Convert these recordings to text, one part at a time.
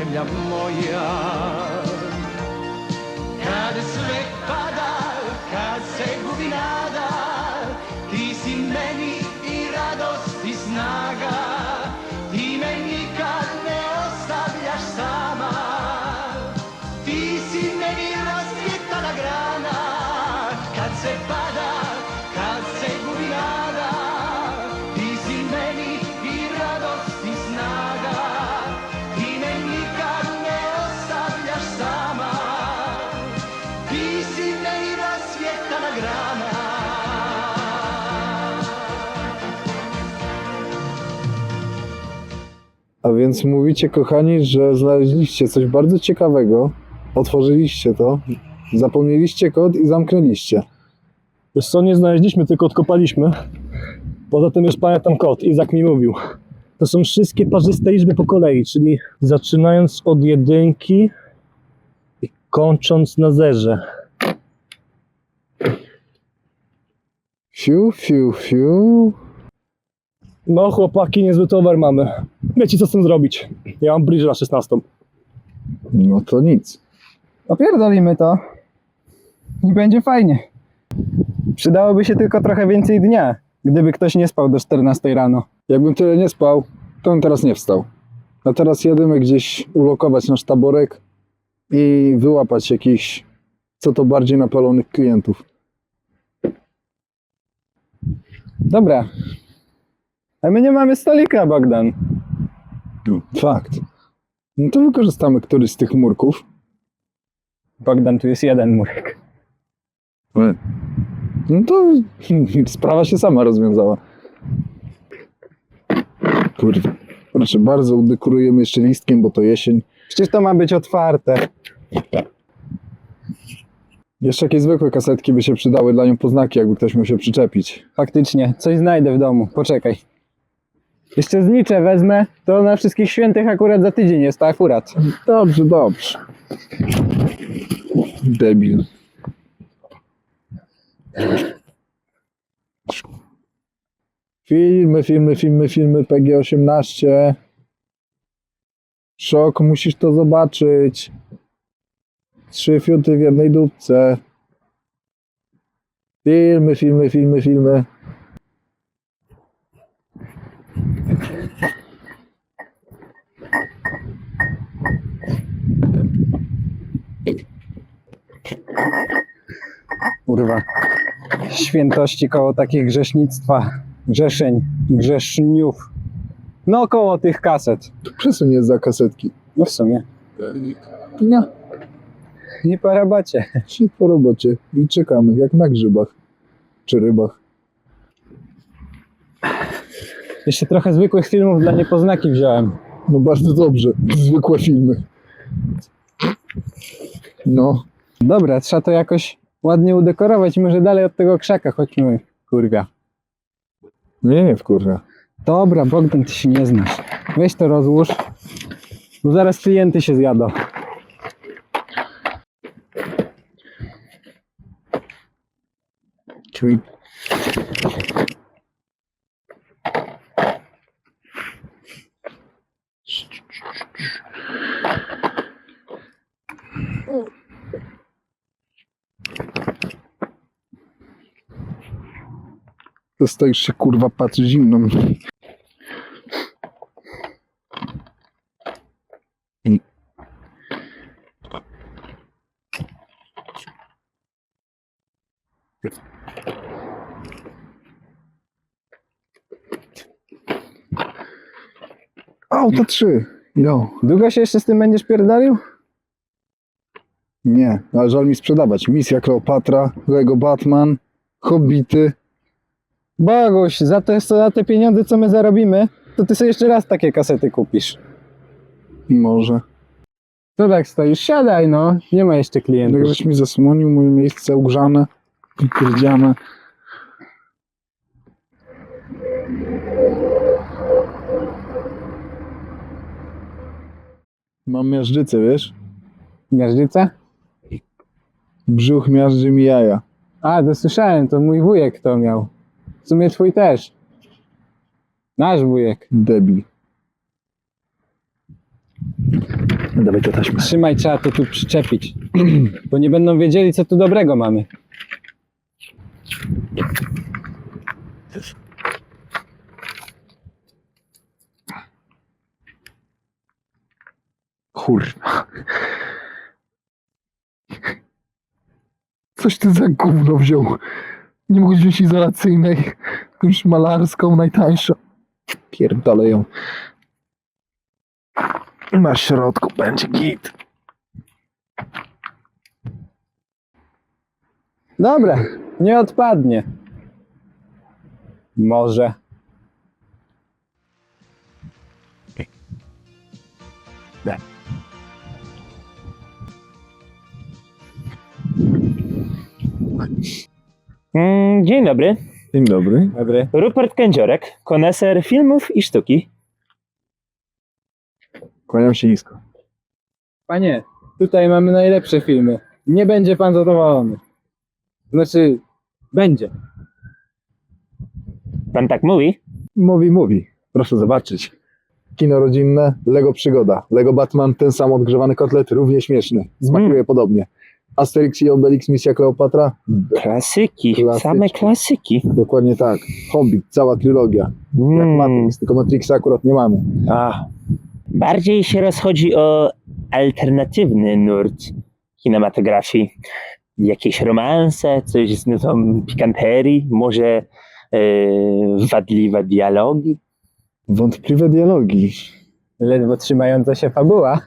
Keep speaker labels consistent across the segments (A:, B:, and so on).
A: zemlja moja. Kad sve pada, kad se gubi nada, ti si meni i radost i snaga. Ti me nikad ne ostavljaš sama. Ti si meni rasvjetana grana. Kad se pada, kad se gubi nada, ti si meni i radost i snaga. Ti me nikad ne ostavljaš sama. Ti si meni rasvjetana grana.
B: A więc mówicie, kochani, że znaleźliście coś bardzo ciekawego, otworzyliście to, zapomnieliście kod i zamknęliście.
C: Wiesz co, nie znaleźliśmy, tylko odkopaliśmy. Poza tym już pamiętam kod, Izak mi mówił. To są wszystkie parzyste liczby po kolei, czyli zaczynając od 1 i kończąc na 0.
B: Fiu, fiu, fiu.
C: No chłopaki, niezły towar mamy. Wiecie co z tym zrobić. Ja mam bridge na 16.
B: No to nic.
D: Opierdolimy to i będzie fajnie. Przydałoby się tylko trochę więcej dnia, gdyby ktoś nie spał do 14 rano.
B: Jakbym tyle nie spał, to bym teraz nie wstał. A teraz jedziemy gdzieś ulokować nasz taborek i wyłapać jakichś, co to bardziej napalonych klientów.
D: Dobra. A my nie mamy stolika, Bogdan.
B: Fakt. No to wykorzystamy któryś z tych murków.
D: Bogdan, tu jest jeden murek.
B: No to sprawa się sama rozwiązała. Kurwa. Proszę bardzo, udekorujemy jeszcze listkiem, bo to jesień.
D: Przecież to ma być otwarte.
B: Jeszcze jakieś zwykłe kasetki by się przydały dla nią poznaki, jakby ktoś musiał się przyczepić.
D: Faktycznie, coś znajdę w domu. Poczekaj. Jeszcze znicze wezmę, to na wszystkich świętych akurat za tydzień jest, to akurat.
B: Dobrze, dobrze. Debil. Filmy, PG-18. Szok, musisz to zobaczyć. 3 fiuty w jednej dupce. Filmy.
D: Kurwa. Świętości koło takich grzesznictwa, grzeszeń, grzeszniów. No koło tych kaset.
B: Przesuń je za kasetki.
D: No w sumie.
B: Nie,
D: Nie po robocie.
B: się po robocie. I czekamy, jak na grzybach. Czy rybach.
D: Jeszcze trochę zwykłych filmów dla niepoznaki wziąłem.
B: No bardzo dobrze. Zwykłe filmy. No.
D: Dobra, trzeba to jakoś ładnie udekorować. Może dalej od tego krzaka chodźmy, kurwa.
B: Nie, wkurza.
D: Dobra, Bogdan, ty się nie znasz. Weź to rozłóż, bo zaraz klienty się zjadą.
B: Czyli... To stoisz się, kurwa, patrzy zimno. Auto 3. Jo.
D: Długo się jeszcze z tym będziesz pierdolił?
B: Nie, ale żal mi sprzedawać. Misja Kleopatra, Lego Batman, Hobbity.
D: Boguś, za te pieniądze, co my zarobimy, to ty sobie jeszcze raz takie kasety kupisz.
B: Może.
D: To tak stoisz, siadaj no, nie ma jeszcze klientów.
B: Tak żeś mi zasłonił moje miejsce ugrzane, pierdziane. Mam miażdżycę, wiesz?
D: Miażdżyca?
B: Brzuch miażdży mi jaja.
D: A, to słyszałem, to mój wujek to miał. W sumie twój też. Nasz wujek.
B: Debil. Dawaj to taśmę.
D: Trzymaj, trzeba to tu przyczepić. Bo nie będą wiedzieli, co tu dobrego mamy.
B: Kurwa. Coś ty za gówno wziął. Nie mógł wziąć izolacyjnej. Jakąś malarską, najtańszą. Pierdolę ją. Na środku będzie git.
D: Dobra, nie odpadnie. Może.
E: Dzień dobry.
B: Dzień dobry.
D: Dobry.
E: Rupert Kędziorek, koneser filmów i sztuki.
B: Kłaniam się nisko.
D: Panie, tutaj mamy najlepsze filmy. Nie będzie pan zadowolony. Znaczy, będzie.
E: Pan tak mówi?
B: Mówi. Proszę zobaczyć. Kino rodzinne, Lego Przygoda. Lego Batman, ten sam odgrzewany kotlet, równie śmieszny. Smakuje podobnie. Asterix i Obelix, Misja Kleopatra.
E: Klasyki,
B: Klasyczne.
E: same klasyki.
B: Dokładnie tak. Hobbit, cała trylogia. Jak Matrix, tylko Matrixa akurat nie mamy.
E: Bardziej się rozchodzi o alternatywny nurt kinematografii. Jakieś romanse, coś z nutą pikanterii, może wadliwe dialogi.
B: Wątpliwe dialogi.
D: Ledwo trzymająca się fabuła.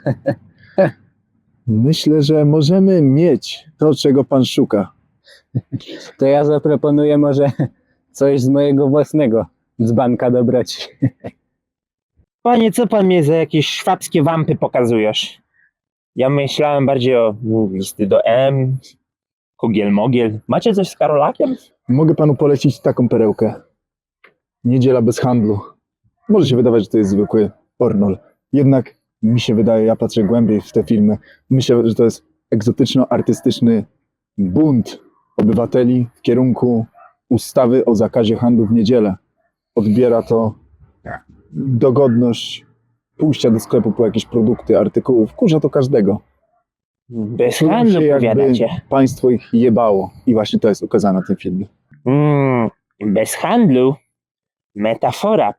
B: Myślę, że możemy mieć to, czego pan szuka.
D: To ja zaproponuję może coś z mojego własnego dzbanka dobroci.
E: Panie, co pan mnie za jakieś szwabskie wampy pokazujesz? Ja myślałem bardziej o listy do M, Kogiel-Mogiel. Macie coś z Karolakiem?
B: Mogę panu polecić taką perełkę. Niedziela bez handlu. Może się wydawać, że to jest zwykły pornol. Jednak mi się wydaje, ja patrzę głębiej w te filmy. Myślę, że to jest egzotyczno-artystyczny bunt obywateli w kierunku ustawy o zakazie handlu w niedzielę. Odbiera to dogodność pójścia do sklepu po jakieś produkty, artykuły. Wkurza to każdego.
E: Bez
B: Czują
E: handlu
B: się, jakby
E: powiadacie.
B: państwo ich jebało. I właśnie to jest ukazane w tym filmie.
E: Bez handlu? Metafora.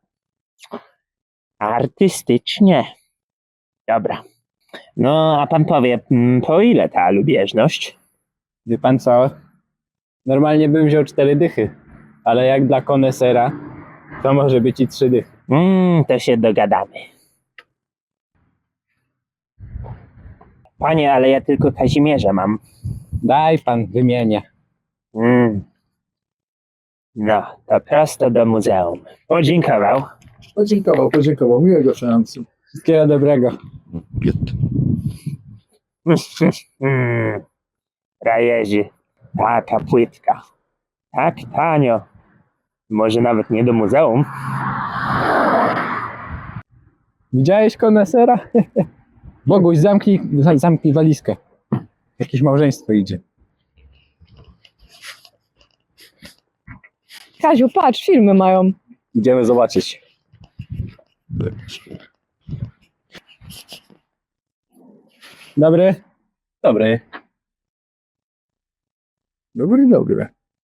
E: Artystycznie. Dobra. No, a pan powie, po ile ta lubieżność?
D: Wie pan co? Normalnie bym wziął 4 dychy. Ale jak dla konesera, to może być i 3 dychy.
E: To się dogadamy. Panie, ale ja tylko Kazimierza mam.
D: Daj pan, wymienię.
E: No, to prosto do muzeum. Podziękował.
B: Podziękował. Miłego seansu.
D: Wszystkiego dobrego.
E: Rajerzy, taka płytka. Tak tanio. Może nawet nie do muzeum.
D: Widziałeś konesera? Boguś, zamknij walizkę. Jakieś małżeństwo idzie.
F: Kaziu, patrz, filmy mają.
D: Idziemy zobaczyć. Dobry. Dobry.
B: Dobry.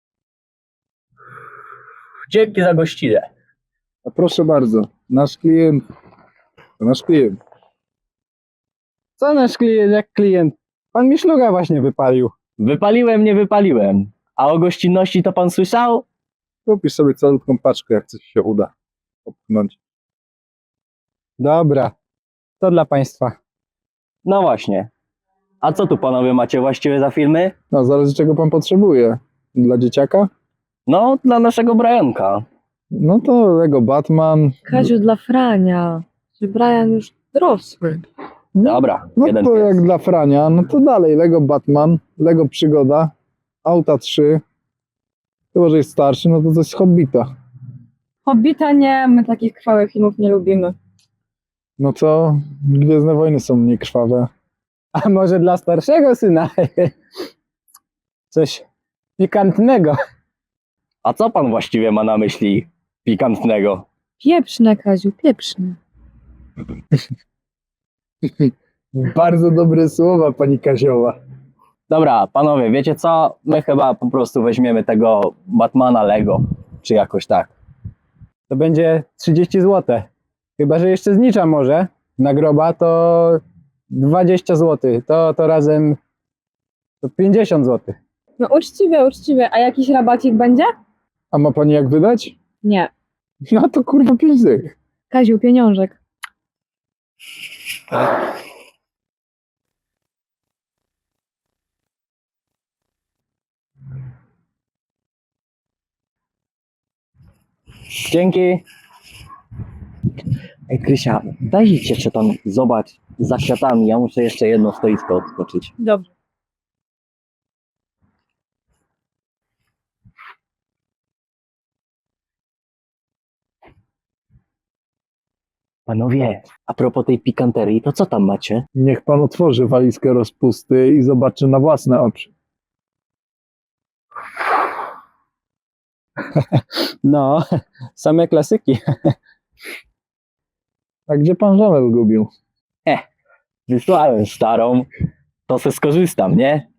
E: Dzięki za gościnę.
B: A proszę bardzo, nasz klient. To nasz klient.
D: Co nasz klient jak klient? Pan mi szluga właśnie wypalił.
G: Wypaliłem, nie wypaliłem. A o gościnności to pan słyszał?
B: Kupisz sobie calutką paczkę, jak coś się uda popchnąć.
D: Dobra. To dla państwa.
G: No właśnie. A co tu panowie macie właściwie za filmy?
B: No, zależy czego pan potrzebuje. Dla dzieciaka?
G: No, dla naszego Brianka.
B: No to Lego Batman.
F: Kaziu, dla Frania. Czy Brian już dorosły?
G: Dobra,
B: No
G: jeden
B: to
G: pies.
B: jak dla Frania, no to dalej Lego Batman, Lego Przygoda, Auta 3. Chyba, że jest starszy, no to coś z Hobbita.
F: Hobbita nie, my takich krwawych filmów nie lubimy.
B: No co? Gwiezdne Wojny są mniej krwawe.
D: A może dla starszego syna? Coś pikantnego.
G: A co pan właściwie ma na myśli pikantnego?
F: Pieprzne, Kaziu, pieprzne.
B: Bardzo dobre słowa, pani Kazioła.
G: Dobra, panowie, wiecie co? My chyba po prostu weźmiemy tego Batmana Lego, czy jakoś tak.
D: To będzie 30 zł. Chyba, że jeszcze znicza może. Nagroba to 20 zł. To razem to 50 zł.
F: No uczciwie, uczciwie. A jakiś rabacik będzie?
B: A ma pani jak wydać?
F: Nie.
B: No to kurwa 5 dych.
F: Kaziu, pieniążek.
G: Dzięki. Ej, Krysia, daj ci jeszcze tam, zobacz, za kwiatami. Ja muszę jeszcze jedno stoisko odskoczyć.
F: Dobrze.
G: Panowie, a propos tej pikanterii, to co tam macie?
B: Niech pan otworzy walizkę rozpusty i zobaczy na własne oczy.
D: No, same klasyki.
B: A gdzie pan żonę zgubił?
G: Wysłałem starą, to se skorzystam, nie?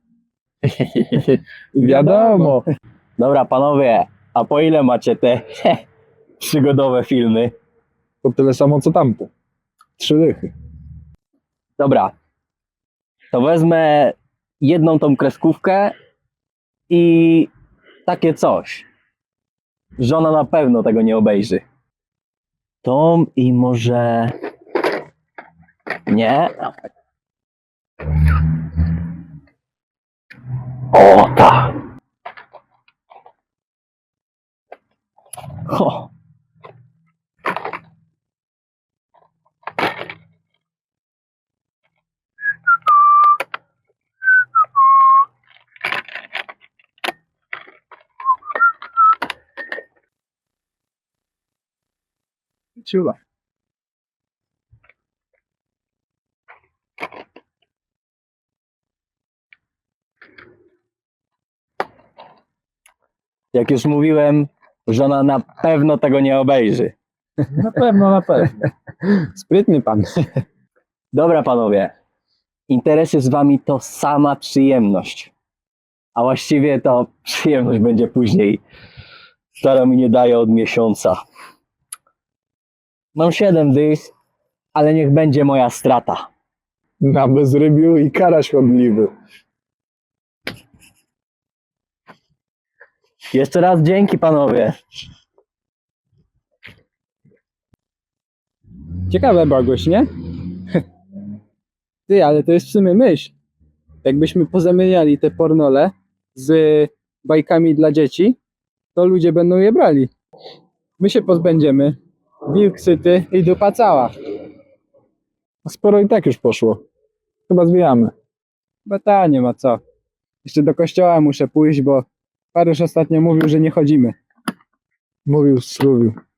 B: Wiadomo.
G: Dobra, panowie, a po ile macie te przygodowe filmy?
B: To tyle samo co tamte. 3 dychy.
G: Dobra, to wezmę jedną tą kreskówkę i takie coś. Żona na pewno tego nie obejrzy. Tą i może... Nie? O, tak. O.
B: Ciula.
G: Jak już mówiłem, żona na pewno tego nie obejrzy.
B: Na pewno, na pewno.
D: Sprytny pan.
G: Dobra, panowie. Interesy z wami to sama przyjemność. A właściwie to przyjemność będzie później. Stara mi nie daje od miesiąca. Mam 7 dych, ale niech będzie moja strata.
B: Na bezrybiu i karaś chodliwy.
G: Jeszcze raz dzięki, panowie.
D: Ciekawe, Boguś, nie? Ty, ale to jest w sumie myśl. Jakbyśmy pozamieniali te pornole z bajkami dla dzieci, to ludzie będą je brali. My się pozbędziemy. Wilk syty i dupa cała.
B: Sporo i tak już poszło. Chyba zwijamy.
D: Bo ta, nie ma co. Jeszcze do kościoła muszę pójść, bo Paryż ostatnio mówił, że nie chodzimy.
B: Mówił, struwił.